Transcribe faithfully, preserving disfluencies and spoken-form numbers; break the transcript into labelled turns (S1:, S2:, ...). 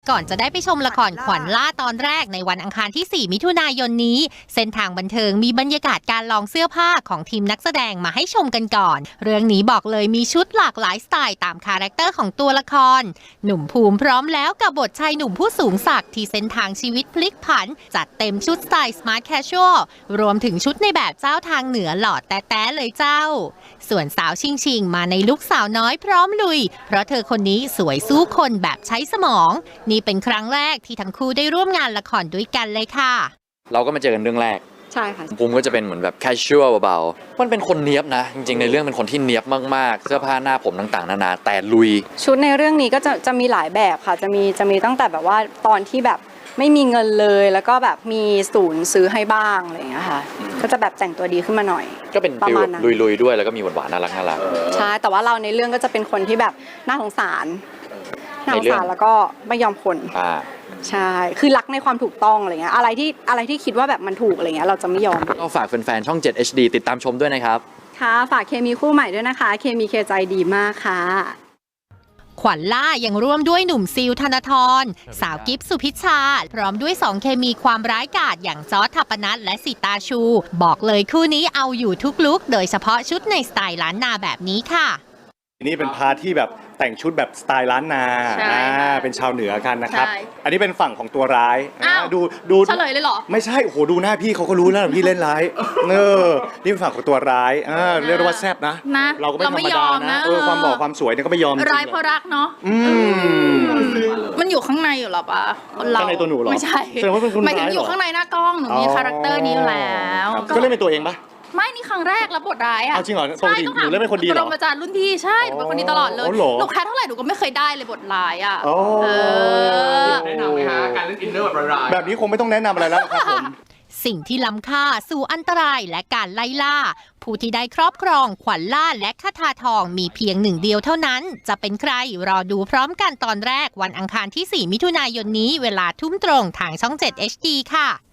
S1: ก่อนจะได้ไปชมละครขวัญล่าตอนแรกในวันอังคารที่ สี่ มิถุนายนนี้เส้นทางบันเทิงมีบรรยากาศการลองเสื้อผ้าของทีมนักแสดงมาให้ชมกันก่อนเรื่องนี้บอกเลยมีชุดหลากหลายสไตล์ตามคาแรคเตอร์ของตัวละครหนุ่มภูมิพร้อมแล้วกับบทชายหนุ่มผู้สูงศักดิ์ที่เส้นทางชีวิตพลิกผันจัดเต็มชุดสไตล์สมาร์ทแคชชวลรวมถึงชุดในแบบเจ้าทางเหนือหล่อแต๊ะๆเลยเจ้าส่วนสาวชิงชิงมาในลุคสาวน้อยพร้อมลุยเพราะเธอคนนี้สวยสู้คนแบบใช้สมองนี่เป็นครั้งแรกที่ทั้งคู่ได้ร่วมงานละครด้วยกันเลยค่ะ
S2: เราก็มาเจอกันเรื่องแรก
S3: ใช่ค่ะ
S2: ภูมิก็จะเป็นเหมือนแบบแคชชวลเบาๆมันเป็นคนเนี๊ยบนะจริงๆในเรื่องเป็นคนที่เนี๊ยบมากๆเสื้อผ้าหน้าผมต่างๆนานาแต่ลุย
S3: ชุดในเรื่องนี้ก็จะจะมีหลายแบบค่ะจะมีจะมีตั้งแต่แบบว่าตอนที่แบบไม่มีเงินเลยแล้วก็แบบมีศูนย์ซื้อให้บ้างอะไรอย่างเงี้ยค่ะก็จะแบบแต่งตัวดีขึ้นมาหน่อย
S2: ก็เป็นฟิลลุยๆด้วยแล้วก็มีหวานๆน่ารักน่ารัก
S3: ใช่แต่ว่าเราในเรื่องก็จะเป็นคนที่แบบน่าสงสารน่าสงสารแล้วก็ไม่ยอมคนใช่คือรักในความถูกต้องอะไรเงี้ยอะไรที่อะไรที่คิดว่าแบบมันถูกอะไรเงี้ยเราจะไม่ยอม
S2: ก็ฝากแฟนๆช่อง เจ็ด เอช ดี ติดตามชมด้วยนะครับ
S3: ค่ะฝากเคมีคู่ใหม่ด้วยนะคะเคมีเคใจดีมากค่ะ
S1: ขวัญล่ายังร่วมด้วยหนุ่มซิลธนทรสาวกิฟสุพิชชาพร้อมด้วยสองเคมีความร้ายกาจอย่างจอร์จทัปปนัทและสิตาชูบอกเลยคู่นี้เอาอยู่ทุกลุคโดยเฉพาะชุดในสไตล์ล้านนาแบบนี้ค่ะ
S4: นี่เป็นพาร์ทที่แบบแต่งชุดแบบสไตล์ล้านนาเป็นชาวเหนือกันนะครับอันนี้เป็นฝั่งของตัวร้ายดูดู
S5: เฉลยเลยเหรอ
S4: ไม่ใช่โอ้โหดูหน้าพี่เขาก็รู้แล้วพี่เล่นร้ายเออนี่เป็นฝั่งของตัวร้ายเรียกว่าแซ่บนะเราก็ไม่ธรรมดานะเออความหล่อความสวยเนี่ยก็ไม่ยอม
S5: ร้ายเพราะรักเนาะมันอยู่ข้างในอยู่หรอปะ
S4: ข้างในตัวหนูหรอ
S5: ไม่ใช่หมายถึงอยู่ข้างในหน้ากล้องหนูมีคาแรคเตอร์นี้อยู่แล้ว
S4: ก็เล่นเป็นตัวเองปะ
S5: ไม่นี่ครั้งแรกรับบทร้ายอ่ะ
S4: จริงเหรอปกติหนูเล่นเป็นคนดีเหรอ
S5: ปรมาจารย์รุ่นพี่ใช่เป็นคนดีตลอดเลยหนูแค่เท่าไหร่หนูก็ไม่เคยได้เลยบทร้ายอ่ะ
S4: แนะนำไหมฮะการเล่นอินเนอร์แบบร้ายแบบนี้คงไม่ต้องแนะนำอะไรแล้วครับผม
S1: สิ่งที่ล้ำค่าสู่อันตรายและการไล่ล่าผู้ที่ได้ครอบครองขวัญล่าและคทาทองมีเพียงหนึ่งเดียวเท่านั้นจะเป็นใครรอดูพร้อมกันตอนแรกวันอังคารที่ สี่ มิถุนายนนี้เวลาทุ่มตรงทางช่อง เจ็ด เอช ดี ค่ะ